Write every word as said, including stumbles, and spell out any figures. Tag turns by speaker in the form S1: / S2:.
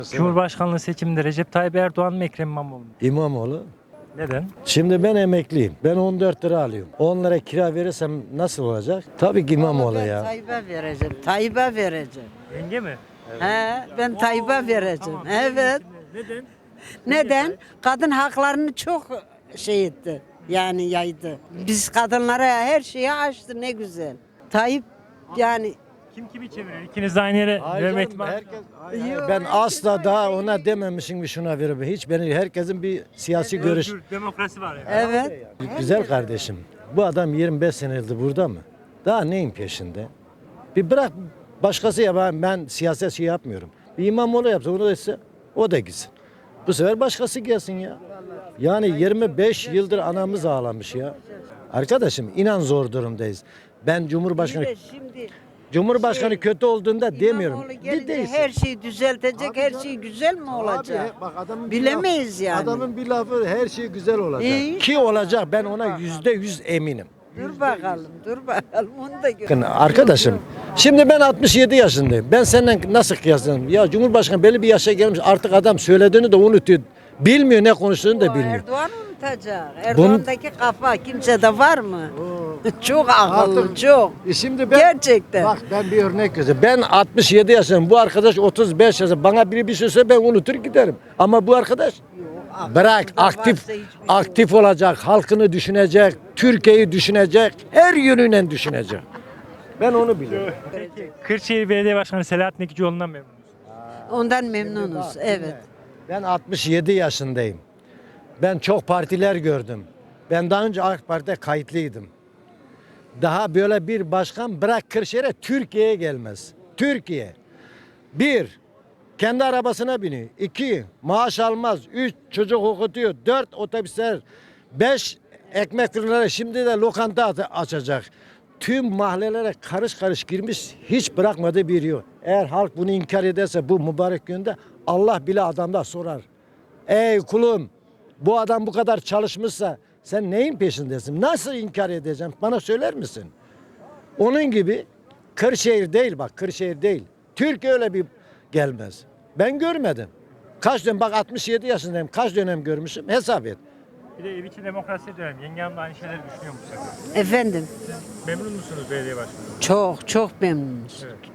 S1: Cumhurbaşkanlığı seçiminde Recep Tayyip Erdoğan mı Ekrem İmamoğlu mu?
S2: İmamoğlu.
S1: Neden?
S2: Şimdi ben emekliyim. Ben on dört lira alıyorum. on lira kira verirsem nasıl olacak? Tabii ki İmamoğlu
S3: Ben
S2: ya.
S3: Tayyip'e vereceğim. Tayyip'e vereceğim.
S1: Yenge mi?
S3: He, ben Tayyip'e vereceğim.
S1: Tamam.
S3: Evet.
S1: Neden?
S3: Neden? Kadın haklarını çok şey etti. Yani yaydı. Biz kadınlara her şeyi açtı ne güzel. Tayyip yani
S1: Kim kimi çevirir? İkiniz de aynı yere verme ihtimali.
S2: Herkes, ben asla daha ona dememişim ki şuna verir. Hiç beni herkesin bir siyasi görüş.
S1: Özgür, demokrasi var yani.
S3: evet.
S2: Güzel kardeşim. Bu adam yirmi beş senedir burada mı? Daha neyin peşinde? Bir bırak başkası ya ben, ben siyaset şey yapmıyorum. Bir İmamoğlu yapsa onu da ise o da gitsin. Bu sefer başkası gelsin ya. Yani yirmi beş yıldır anamız ağlamış ya. Arkadaşım inan zor durumdayız. Ben Cumhurbaşkanı
S3: Bir de şimdi
S2: Cumhurbaşkanı
S3: şey,
S2: kötü olduğunda demiyorum.
S3: İmamoğlu
S2: Bir
S3: gelince
S2: değilsin.
S3: her şeyi düzeltecek,
S2: Abi
S3: her
S2: canım.
S3: şey güzel mi olacak?
S2: Abi, bak adamın bir
S3: Bilemeyiz
S2: lafı-
S3: yani.
S2: Adamın bir lafı her şey güzel olacak.
S3: İyi.
S2: Ki olacak ben ona yüzde yüz eminim.
S3: Dur bakalım, dur bakalım. Onu da gör.
S2: Bakın arkadaşım şimdi ben altmış yedi yaşındayım. Ben seninle nasıl kıyaslarım? Ya Cumhurbaşkanı belli bir yaşa gelmiş artık adam söylediğini de unutuyor. Bilmiyor ne konuştuğunu da
S3: O
S2: bilmiyor.
S3: Erdoğan unutacak. Erdoğan'daki kafa kimsede var mı? Çok akıllı,
S2: Artık-
S3: çok.
S2: E şimdi ben,
S3: Gerçekten.
S2: Bak ben bir örnek göstereyim. Ben altmış yedi yaşındayım. Bu arkadaş otuz beş yaşında. Bana biri bir şey söylese ben unutur giderim. Ama bu arkadaş bırak
S3: Aklında
S2: aktif
S3: varsa hiçbir şey
S2: aktif olacak, halkını düşünecek, Türkiye'yi düşünecek, her yönüyle düşünecek. Ben onu biliyorum.
S1: Peki Kırşehir Belediye Başkanı Selahattin Ekicioğlu'ndan memnun musunuz?
S3: Ondan memnunuz. Evet.
S2: Ben altmış yedi yaşındayım. Ben çok partiler gördüm. Ben daha önce AK Parti'de kayıtlıydım. Daha böyle bir başkan bırak Kırşehir'e Türkiye'ye gelmez. Türkiye. Bir, kendi arabasına biniyor. İki, maaş almaz. Üç, çocuk okutuyor. Dört, otobüsler. Beş, ekmek fırınları. Şimdi de lokanta aç- açacak. Tüm mahallelere karış karış girmiş. Hiç bırakmadığı bir yok. Eğer halk bunu inkar ederse bu mübarek günde Allah bile adamda sorar. Ey kulum, bu adam bu kadar çalışmışsa sen neyin peşindesin? Nasıl inkar edeceğim? Bana söyler misin? Onun gibi Kırşehir değil bak Kırşehir değil. Türkiye öyle bir gelmez. Ben görmedim. Kaç dönem bak altmış yedi yaşındayım. Kaç dönem görmüşüm hesap et.
S1: Bir de ev içi demokrasi diyorum. Yenge Hanım da aynı şeyleri düşünüyor musunuz?
S3: Efendim.
S1: Memnun musunuz belediye başkanı?
S3: Çok çok memnunuz.
S1: Evet.